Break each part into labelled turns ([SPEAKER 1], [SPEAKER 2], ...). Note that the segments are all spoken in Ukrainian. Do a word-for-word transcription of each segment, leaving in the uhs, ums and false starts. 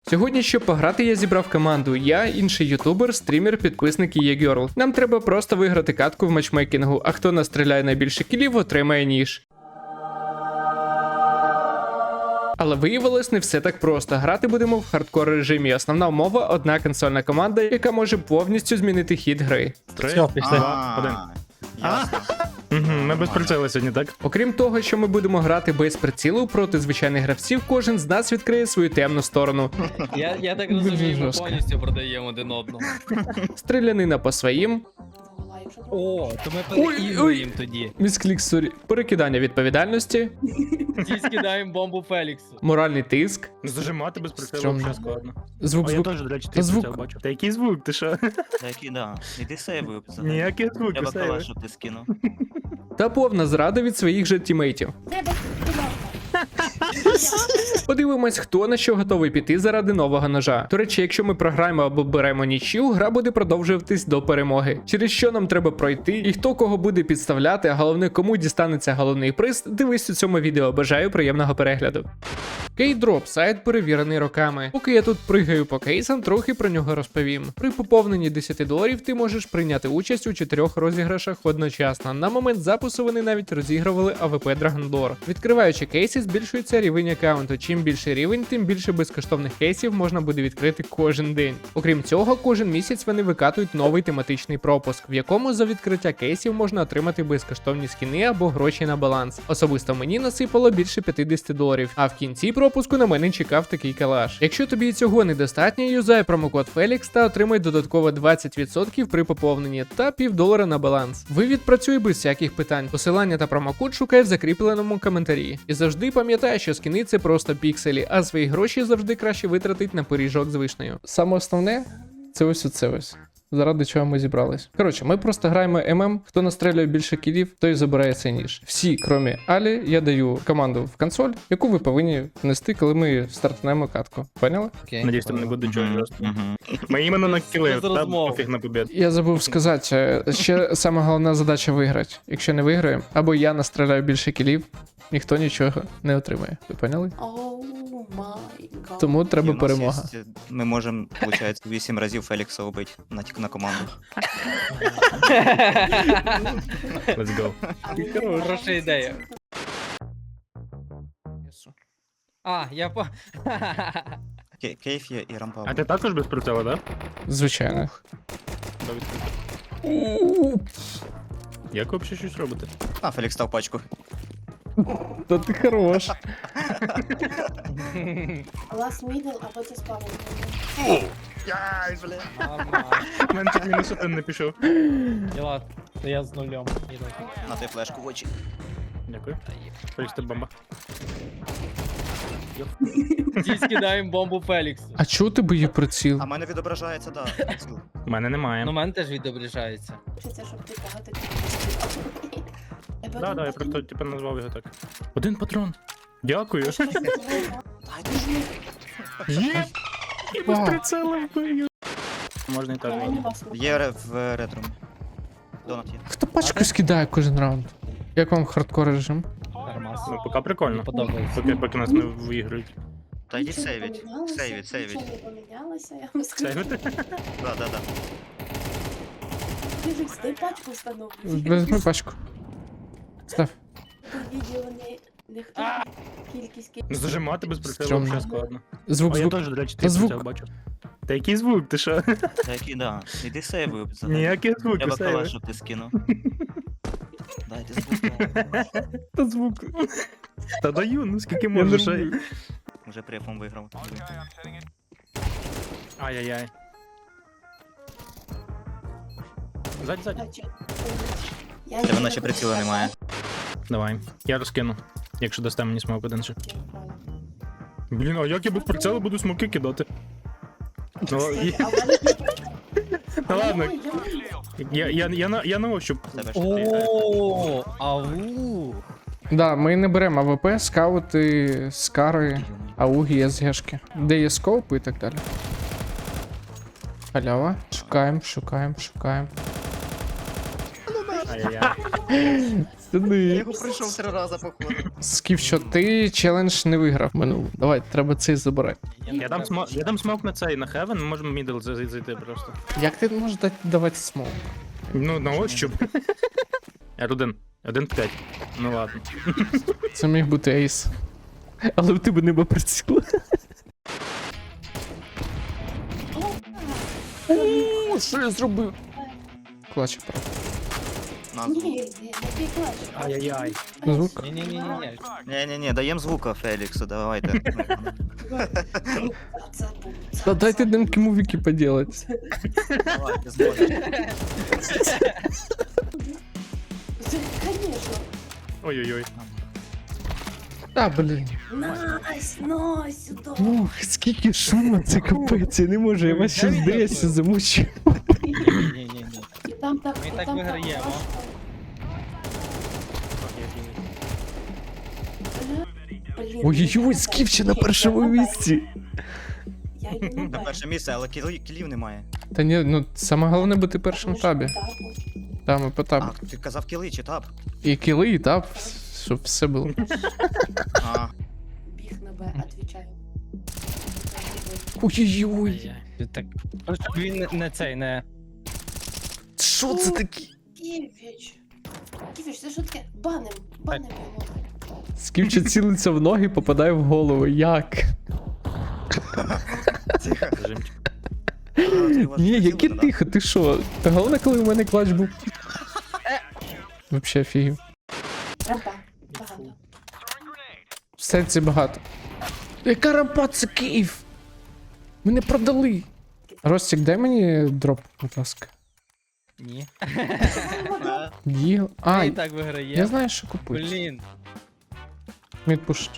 [SPEAKER 1] Сьогодні, щоб пограти, я зібрав команду. Я, інший ютубер, стрімер, підписник і є Girl. Нам треба просто виграти катку в матчмейкінгу, а хто настріляє найбільше кілів, отримає ніж. Але виявилось не все так просто. Грати будемо в хардкор режимі. Основна умова – одна консольна команда, яка може повністю змінити хід гри.
[SPEAKER 2] Три,
[SPEAKER 3] Все, пішли.
[SPEAKER 2] два, один.
[SPEAKER 4] Ясно.
[SPEAKER 2] Угу, ми без прицілу сьогодні, так?
[SPEAKER 1] Окрім того, що ми будемо грати без прицілу проти звичайних гравців, кожен з нас відкриє свою темну сторону.
[SPEAKER 3] Я, я так розумію, ми
[SPEAKER 1] Жорстко.
[SPEAKER 3] повністю продаємо один одного.
[SPEAKER 1] Стрілянина по своїм,
[SPEAKER 3] О, то ми
[SPEAKER 1] Ой, ой.
[SPEAKER 3] переігруємо тоді.
[SPEAKER 1] місклік сорі, перекидання відповідальності,
[SPEAKER 3] Ті скидаємо бомбу Феліксу.
[SPEAKER 1] моральний тиск,
[SPEAKER 2] Зажимати без прицілу
[SPEAKER 1] Стрьомно.
[SPEAKER 2] вже складно.
[SPEAKER 1] звук
[SPEAKER 2] А я
[SPEAKER 1] звук.
[SPEAKER 2] теж, до речі,
[SPEAKER 1] Та
[SPEAKER 2] ти
[SPEAKER 1] звук.
[SPEAKER 2] прицел бачу. Та який звук, ти що?
[SPEAKER 4] Та який, да. Іди сейвою взагалі.
[SPEAKER 2] Ніякі
[SPEAKER 4] Я
[SPEAKER 2] звуки,
[SPEAKER 4] б
[SPEAKER 2] сейви.
[SPEAKER 4] калашу ти скинув.
[SPEAKER 1] Та повна зрада від своїх же тімейтів. Подивимось, хто на що готовий піти заради нового ножа. До речі, якщо ми програємо або беремо нічию, гра буде продовжуватись до перемоги. Через що нам треба пройти, і хто кого буде підставляти, а головне, кому дістанеться головний приз, дивись у цьому відео. Бажаю приємного перегляду. Кейдроп сайт перевірений роками. Поки я тут пригаю по кейсам, трохи про нього розповім. При поповненні десять доларів ти можеш прийняти участь у чотирьох розіграшах одночасно. На момент запису вони навіть розігрували АВП Драгондор. Відкриваючи кейси, збільшується рівень аккаунту. Чим більший рівень, тим більше безкоштовних кейсів можна буде відкрити кожен день. Окрім цього, кожен місяць вони викатують новий тематичний пропуск, в якому за відкриття кейсів можна отримати безкоштовні скіни або гроші на баланс. Особисто мені насипало більше п'ятдесят доларів, а в кінці пропуску на мене чекав такий калаш. Якщо тобі і цього недостатньо, юзай промокод Фелікс та отримай додатково двадцять відсотків при поповненні та півдолара на баланс. Вивід працює без всяких питань. Посилання та промокод шукай в закріпленому коментарі. І завжди пам'ятай, що скіни це просто пікселі, а свої гроші завжди краще витратить на пиріжок з вишнею. Саме основне це ось оце ось. Заради чого ми зібрались. Коротше, ми просто граємо ММ, хто настрелює більше кілів, той забирає цей ніж. Всі, крім Алі, я даю команду в консоль, яку ви повинні внести, коли ми стартнемо катку. Поняли?
[SPEAKER 3] Окей.
[SPEAKER 2] Надіюсь, там не буде чого
[SPEAKER 4] Мгм,
[SPEAKER 2] просто.
[SPEAKER 4] мгм.
[SPEAKER 2] Ми іменно на кіли,
[SPEAKER 3] Без
[SPEAKER 2] та
[SPEAKER 3] розмов.
[SPEAKER 2] пофіг на побід.
[SPEAKER 1] Я забув сказати, е, ще сама головна задача виграти. Якщо не виграємо, або я настріляю більше кілів, ніхто нічого не отримає. Ви поняли?
[SPEAKER 5] Оу май гад.
[SPEAKER 1] Тому
[SPEAKER 4] І
[SPEAKER 1] треба
[SPEAKER 4] в нас
[SPEAKER 1] перемога.
[SPEAKER 4] є- Ми можемо, виходить, вісім разів Фелікса убити на, на команду.
[SPEAKER 2] Let's go.
[SPEAKER 5] А ви
[SPEAKER 3] Хороша ідея. А, я по...
[SPEAKER 4] Кей- Кейф є і рампа.
[SPEAKER 2] А ти також без прицілу, так?
[SPEAKER 1] Звичайно.
[SPEAKER 2] Да? Як ви взагалі щось робите?
[SPEAKER 4] А, Фелікс став пачку.
[SPEAKER 1] Та ти хорош.
[SPEAKER 5] Лас мідл, а потім спавн.
[SPEAKER 4] Яй, бля.
[SPEAKER 3] Нормально.
[SPEAKER 2] У мене тут мінус один не пішов.
[SPEAKER 3] Діла, то я з нулем. Іду.
[SPEAKER 4] На той флешку в очі.
[SPEAKER 2] Дякую. Фелікс, ти бомба.
[SPEAKER 3] Ті скидаємо бомбу Феліксу.
[SPEAKER 1] А чого ти боїв приціл?
[SPEAKER 4] А в мене відображається, да. приціл.
[SPEAKER 2] У мене немає.
[SPEAKER 3] Ну, в мене теж відображається.
[SPEAKER 5] Хочеться, щоб ти багато
[SPEAKER 2] Да, да, я просто типу назвав його так. Один патрон. Дякую.
[SPEAKER 4] Дайте ж мені.
[SPEAKER 2] Є! І без прицілу вбив. Можна і так.
[SPEAKER 4] Є ре- в ретро. Донат є.
[SPEAKER 1] Хто пачку скидає кожен раунд? Як вам хардкор режим?
[SPEAKER 3] Нормас.
[SPEAKER 2] Ну, поки прикольно.
[SPEAKER 3] Мені подобається.
[SPEAKER 2] Поки, поки нас не виіграють.
[SPEAKER 4] Та йди сейвіть. Сейвіть, сейвіть.
[SPEAKER 5] Нічого не помінялося, я вам скажу.
[SPEAKER 2] Сейвити?
[SPEAKER 4] Да, да, да.
[SPEAKER 5] Ти ж стой пачку встановлюєш.
[SPEAKER 1] Візьми пачку. Став.
[SPEAKER 5] Тут відео не... Не хто кількість кі-
[SPEAKER 2] Ну, зажимати без прицілу
[SPEAKER 1] Стрьомно.
[SPEAKER 2] взагалі складно.
[SPEAKER 1] Звук
[SPEAKER 2] А я
[SPEAKER 1] звук.
[SPEAKER 2] теж, до речі,
[SPEAKER 1] Та
[SPEAKER 2] ти
[SPEAKER 1] звук.
[SPEAKER 2] прицел бачу. Та який звук, ти що?
[SPEAKER 4] Та який, да. Іди сейвою взагалі.
[SPEAKER 2] Ніякі
[SPEAKER 4] Я
[SPEAKER 2] звуки,
[SPEAKER 4] б
[SPEAKER 2] сейви.
[SPEAKER 4] калашу ти скинув. Дайте звук.
[SPEAKER 1] Та звук.
[SPEAKER 2] Та даю, ну скільки можеш. ай.
[SPEAKER 4] Уже префом виграв.
[SPEAKER 2] Ай-яй-яй. Ззаді, ззаді.
[SPEAKER 5] А, чо? Я
[SPEAKER 4] Тебе
[SPEAKER 5] не
[SPEAKER 4] наче приціла немає.
[SPEAKER 2] Давай, я розкину. Якщо дасте мені смок один ще. Блін, а як я без прицілу буду смоки кидати? Ну, і-
[SPEAKER 5] А в мене-
[SPEAKER 2] Та ладно,
[SPEAKER 5] Ой, я-
[SPEAKER 2] я, я, я, на, я на ощуп.
[SPEAKER 4] Тебе ще три.
[SPEAKER 3] О, ау.
[SPEAKER 1] Да, ми не беремо АВП, скаути, скари, ауги, СГшки. Де є скоупи і так далі. Халява. Шукаємо, шукаємо, шукаємо.
[SPEAKER 2] Ай-яй-яй.
[SPEAKER 4] Я
[SPEAKER 1] Сюди.
[SPEAKER 4] його пройшов три рази, походу.
[SPEAKER 1] Скіф, що ти челендж не виграв минуло. Давай, треба цей забирати.
[SPEAKER 2] Я дам смок, я дам смок на цей, на хевен, ми можемо мідл зай- зайти просто.
[SPEAKER 1] Як ти можеш дати давати смок?
[SPEAKER 2] Ну, на ощуп. ар один. один в п'ять. Ну ладно.
[SPEAKER 1] Це міг бути ейс. Але в тебе нема приціла. О, що я зробив? Клач, правда.
[SPEAKER 4] Назву.
[SPEAKER 5] Ні, не не клач.
[SPEAKER 2] Ай-яй-яй.
[SPEAKER 1] Звук?
[SPEAKER 3] Ні-ні-ні-ні.
[SPEAKER 4] Ні-ні-ні, даємо звука Феліксу, давайте.
[SPEAKER 5] Це був.
[SPEAKER 1] Та дайте демки мувіки поділать.
[SPEAKER 4] Давайте, зможеш.
[SPEAKER 5] Конечно.
[SPEAKER 2] Ой-ой-ой.
[SPEAKER 1] Та, блін.
[SPEAKER 5] Найс, найс, сюди.
[SPEAKER 1] Ух, скільки шуму, це капець, я не можу, я вас ще здається замучу.
[SPEAKER 3] Ні-ні-ні.
[SPEAKER 5] І там так,
[SPEAKER 3] Ми
[SPEAKER 5] і
[SPEAKER 3] так
[SPEAKER 5] там
[SPEAKER 3] виграємо.
[SPEAKER 5] важко. Блін,
[SPEAKER 1] Ой-ой-ой,
[SPEAKER 5] я
[SPEAKER 1] скіф ще
[SPEAKER 5] так-
[SPEAKER 1] на
[SPEAKER 5] Ні,
[SPEAKER 1] першому
[SPEAKER 5] я на
[SPEAKER 1] місці.
[SPEAKER 5] Я йду на
[SPEAKER 4] На
[SPEAKER 5] Б.
[SPEAKER 4] перше місце, але кілів, кілів немає.
[SPEAKER 1] Та ні, ну саме головне бути першим в табі.
[SPEAKER 5] Так,
[SPEAKER 1] Там і по табу.
[SPEAKER 4] А, ти казав кіли чи таб?
[SPEAKER 1] І кіли, і таб, щоб все було.
[SPEAKER 4] А,
[SPEAKER 5] біг на Б, отвечаю.
[SPEAKER 1] Ой-ой-ой.
[SPEAKER 3] Ай-яй. Ти так. Щоб він не- не цей, не.
[SPEAKER 1] Що це таке?
[SPEAKER 5] Ківіч. Ківіч, це що таке? Баним, баним його.
[SPEAKER 1] Скіфче цілиться в ноги, попадає в голову. Як?
[SPEAKER 4] тихо.
[SPEAKER 2] Режимчик.
[SPEAKER 1] Ні, яке тихо, ти що? Та головне, коли у мене клач був. Вообще офігів.
[SPEAKER 5] Рампа, багато.
[SPEAKER 1] В сенсі багато. Яка рампа, це Київ? Мене продали. Ростик, дай мені дроп, будь ласка.
[SPEAKER 3] Ні.
[SPEAKER 1] Діл. А,
[SPEAKER 3] Ми і так виграємо.
[SPEAKER 1] я знаю, що купити.
[SPEAKER 3] Блін.
[SPEAKER 1] Мідпуш.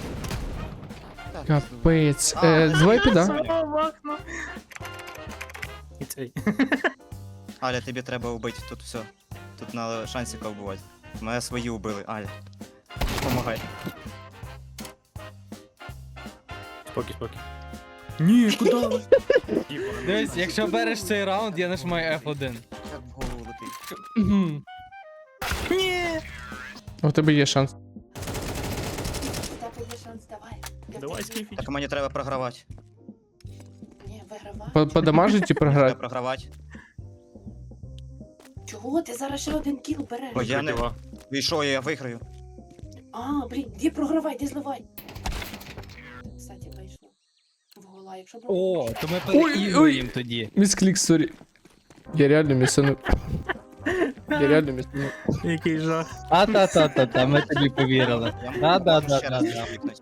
[SPEAKER 1] Капець. Е, давай піда.
[SPEAKER 2] І цей.
[SPEAKER 4] Аля, тобі треба вбити тут все. Тут на шансіка вбивати. Мене свої убили, Аля. Помагай.
[SPEAKER 2] Спокій, спокій. Ні, куди?
[SPEAKER 3] Дивись, якщо береш цей раунд, я нажимаю еф один.
[SPEAKER 4] Як в голову летить.
[SPEAKER 1] Мгм. У тебе є шанс.
[SPEAKER 5] У тебе є шанс, давай. Я
[SPEAKER 2] Давай,
[SPEAKER 5] тобі-
[SPEAKER 2] скіфіч.
[SPEAKER 4] Так мені треба програвати.
[SPEAKER 5] Ні, вигравай.
[SPEAKER 1] По- Подамажить і
[SPEAKER 4] Треба
[SPEAKER 1] програти.
[SPEAKER 4] програвати.
[SPEAKER 5] Чого? Ти зараз ще один кіл береш.
[SPEAKER 4] Ой, я не... І що, я виграю?
[SPEAKER 5] А, блін, де програвай, де зливай. Кстати, вийшло. В гола, якщо б...
[SPEAKER 3] О, то ми
[SPEAKER 1] Ой, ой.
[SPEAKER 3] переігруємо тоді.
[SPEAKER 1] Місклік, сорі. Я реально місану. Я реально місану.
[SPEAKER 2] Який жах.
[SPEAKER 3] А та та та та ми тобі повірили.
[SPEAKER 4] Я
[SPEAKER 3] Да, да,
[SPEAKER 4] можу
[SPEAKER 3] да,
[SPEAKER 4] ще
[SPEAKER 3] да,
[SPEAKER 4] раз
[SPEAKER 3] да.
[SPEAKER 4] клікнути.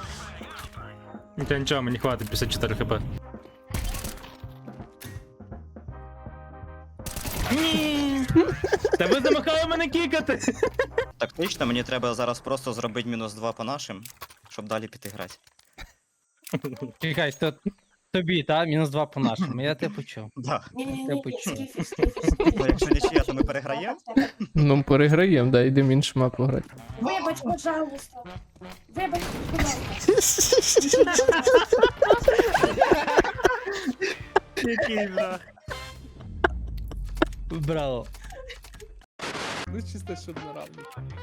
[SPEAKER 2] Та нічого, мені хватить п'ятдесят чотири хп. Ні! Та ви замахали мене кікати!
[SPEAKER 4] Тактично, мені треба зараз просто зробити мінус два по нашим, щоб далі піти грати.
[SPEAKER 3] Чекай, то тобі, та? Мінус два по нашому. Я тебе почув.
[SPEAKER 4] Да.
[SPEAKER 5] Ні, ні,
[SPEAKER 3] Я
[SPEAKER 5] ні,
[SPEAKER 3] почув.
[SPEAKER 5] скіфі, скіфі, скіфі.
[SPEAKER 4] Ну, якщо нічия, то ми переграємо.
[SPEAKER 1] Ну, переграємо, да, йдемо іншу мапу грати.
[SPEAKER 5] Вибач, пожалуйста. Вибач, пожалуйста.
[SPEAKER 2] Який жах.
[SPEAKER 3] Браво.
[SPEAKER 1] Ну, чисто, щоб на равні.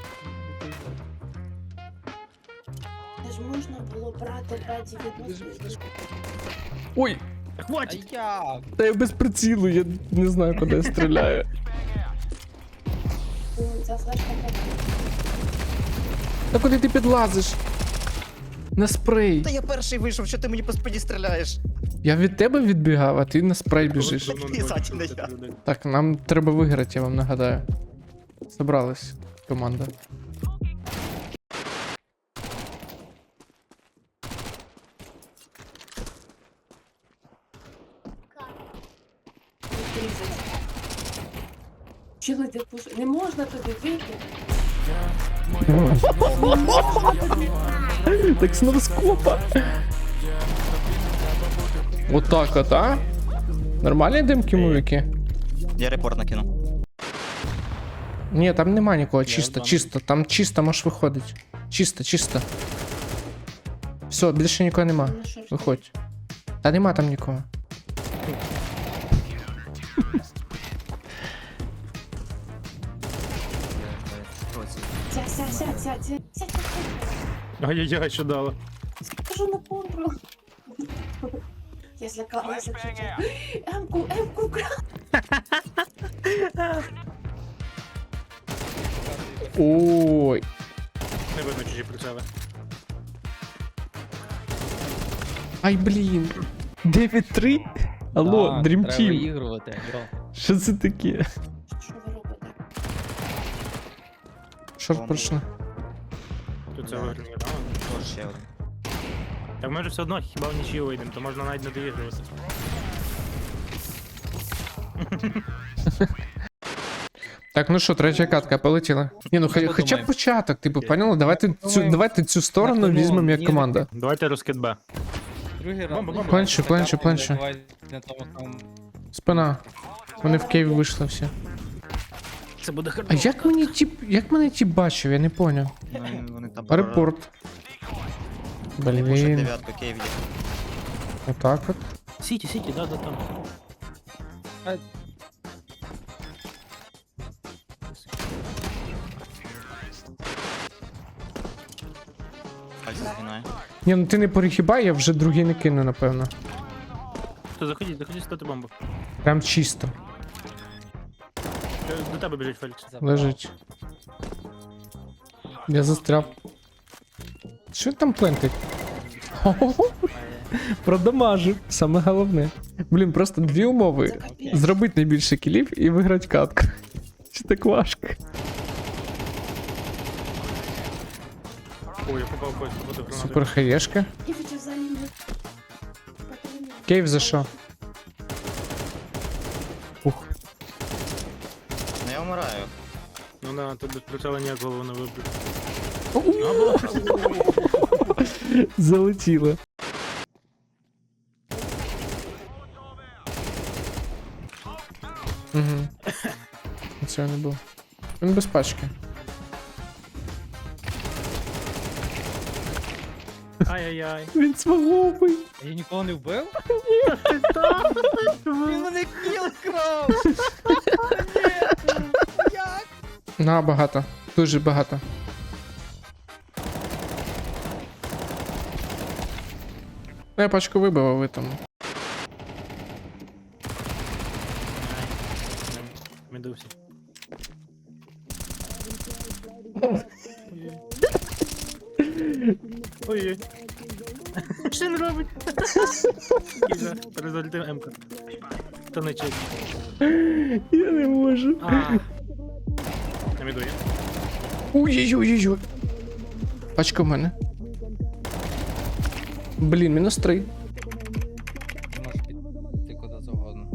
[SPEAKER 5] Це ж можна було брати раді відносно.
[SPEAKER 1] Ой,
[SPEAKER 3] А
[SPEAKER 2] Хватить!
[SPEAKER 3] як?
[SPEAKER 1] та я без прицілу, я не знаю, куди я стріляю.
[SPEAKER 5] Ця флешка така.
[SPEAKER 1] Та куди ти підлазиш? На спрей.
[SPEAKER 4] Та я перший вийшов, що ти мені по спині стріляєш?
[SPEAKER 1] Я від тебе відбігав, а ти на спрей біжиш.
[SPEAKER 4] Який Саті не я?
[SPEAKER 1] Так, нам треба виграти, я вам нагадаю. Собралась команда.
[SPEAKER 5] Чили ти пуш... Не можна туди вийти.
[SPEAKER 1] Так знову скопа. Отак от, а? Нормальні демки мувіки?
[SPEAKER 4] Я репорт накину.
[SPEAKER 1] Ні, там нема нікого, чисто,
[SPEAKER 2] дам.
[SPEAKER 1] чисто, там чисто можеш виходити. Чисто, чисто. Все, більше нікого нема.
[SPEAKER 5] На шорті.
[SPEAKER 1] Виходь. Та нема там нікого.
[SPEAKER 5] Сядь, сядь, сядь, сядь, сядь, сядь.
[SPEAKER 2] Ай-яй-яй, що дало.
[SPEAKER 5] Скажу на контрол. Я злякалася чуть-чуть. Емку, емку, кра.
[SPEAKER 1] Ой.
[SPEAKER 2] Не видно чужі прицели.
[SPEAKER 1] Ай, блін. дев'ять три? Алло,
[SPEAKER 3] Так,
[SPEAKER 1] Dream
[SPEAKER 3] треба
[SPEAKER 1] Team.
[SPEAKER 3] виігрувати, бро.
[SPEAKER 1] Що це таке?
[SPEAKER 5] Що ви робите?
[SPEAKER 1] Шорт пройшли.
[SPEAKER 2] Тут це
[SPEAKER 4] Да.
[SPEAKER 2] виграє, да?
[SPEAKER 4] Тож ще один.
[SPEAKER 2] Так ми ж все одно хіба в нічию вийдемо, то можна навіть не доігрувати.
[SPEAKER 1] Так, ну що, третя катка, полетіла. Ні, ну хай-
[SPEAKER 3] Що
[SPEAKER 1] хоча б
[SPEAKER 3] думаємо?
[SPEAKER 1] початок, типу, поняла? Давайте цю,
[SPEAKER 3] Думаємо.
[SPEAKER 1] давайте цю сторону
[SPEAKER 3] Так, ну,
[SPEAKER 1] візьмемо як
[SPEAKER 3] ні,
[SPEAKER 1] команда.
[SPEAKER 2] Давайте розкид Б.
[SPEAKER 3] Другий раз.
[SPEAKER 2] Бомба, бомба.
[SPEAKER 1] Пленчу, пленчу, пленчу.
[SPEAKER 3] Давай на тому самому.
[SPEAKER 1] Спина. Вони в Києві вийшли всі.
[SPEAKER 2] Це буде
[SPEAKER 1] А
[SPEAKER 2] хардкор.
[SPEAKER 1] як мені ті, як мене ті бачив, я не поняв.
[SPEAKER 4] Ну, вони там
[SPEAKER 1] Репорт.
[SPEAKER 4] Пушать
[SPEAKER 1] Блін,
[SPEAKER 4] дев'ятку, Київ є.
[SPEAKER 1] отак от.
[SPEAKER 2] Сіті, сіті, да, да, там.
[SPEAKER 4] Пальці згинає.
[SPEAKER 1] Ні, ну ти не перехибай, я вже другий не кину, напевно.
[SPEAKER 2] То заходіть, заходіть стати бомбу.
[SPEAKER 1] Прям чисто.
[SPEAKER 2] Е, До тебе біжить Фелікс.
[SPEAKER 1] Лежить. Я застряв. Що там плентить? Хо-хо-хо. Продамажив, саме головне. Блін, просто дві умови. Зробити найбільше кілів і виграти катку. Чи так важко?
[SPEAKER 2] Ой, я попав в бочку, буде гранати.
[SPEAKER 1] Супер хаєшка.
[SPEAKER 5] Я хочу взагалі не...
[SPEAKER 1] Кейв за що? Ух.
[SPEAKER 4] Ну я вмираю.
[SPEAKER 2] Ну да, тут без прицела ніяк голову не вибив.
[SPEAKER 1] Залетіло. Угу. Цього не було. Він без пачки.
[SPEAKER 2] Ай-яй-яй.
[SPEAKER 1] Він смаговий.
[SPEAKER 3] Я нікого не вбив? Він мене кіл крав!
[SPEAKER 1] На, багато. Дуже багато. Ну, я пачку вибив, а ви там.
[SPEAKER 2] Медусі. Ой-ой. Що він робить? Кіза, результив М-ка. Та не чек.
[SPEAKER 1] Я не можу.
[SPEAKER 2] А. На міду є.
[SPEAKER 1] Ой-ой-ой-ой. Пачка в мене. Блін, мінус три.
[SPEAKER 3] Ти можеш піти куди завгодно.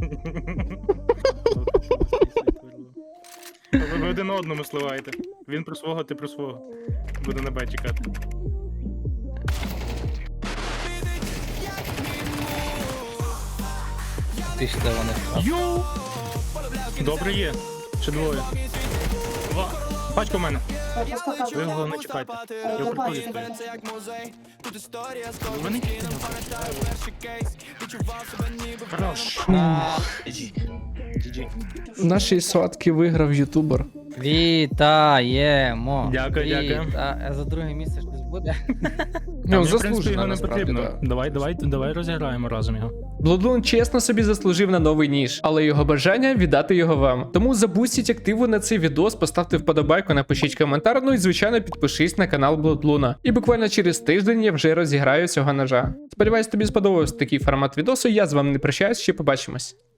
[SPEAKER 2] Ви ви один одному сливаєте. Він про свого, ти про свого. Буде на Б чекати.
[SPEAKER 3] Ти ж де вони?
[SPEAKER 2] Йоу! Добре є. Ще двоє. Два. Пачка в мене. Ви його не чекайте. Я в приколі стою. Ви не чекайте. Хорош.
[SPEAKER 4] Джі.
[SPEAKER 2] джі джі.
[SPEAKER 1] Наші сотки виграв ютубер.
[SPEAKER 3] Вітаємо!
[SPEAKER 2] Дякую, дякую.
[SPEAKER 3] Віта- А за друге місце щось буде?
[SPEAKER 1] Ну,
[SPEAKER 2] Мені, в принципі,
[SPEAKER 1] заслужено,
[SPEAKER 2] його не
[SPEAKER 1] насправді,
[SPEAKER 2] потрібно.
[SPEAKER 1] да.
[SPEAKER 2] Давай, давай, давай розіграємо разом його.
[SPEAKER 1] Bloodlune чесно собі заслужив на новий ніж, але його бажання віддати його вам. Тому забустіть активу на цей відос, поставте вподобайку, напишіть коментар, ну і звичайно підпишись на канал Bloodlune. І буквально через тиждень я вже розіграю цього ножа. Сподіваюсь, тобі сподобався такий формат відосу. Я з вами не прощаюсь, ще побачимось.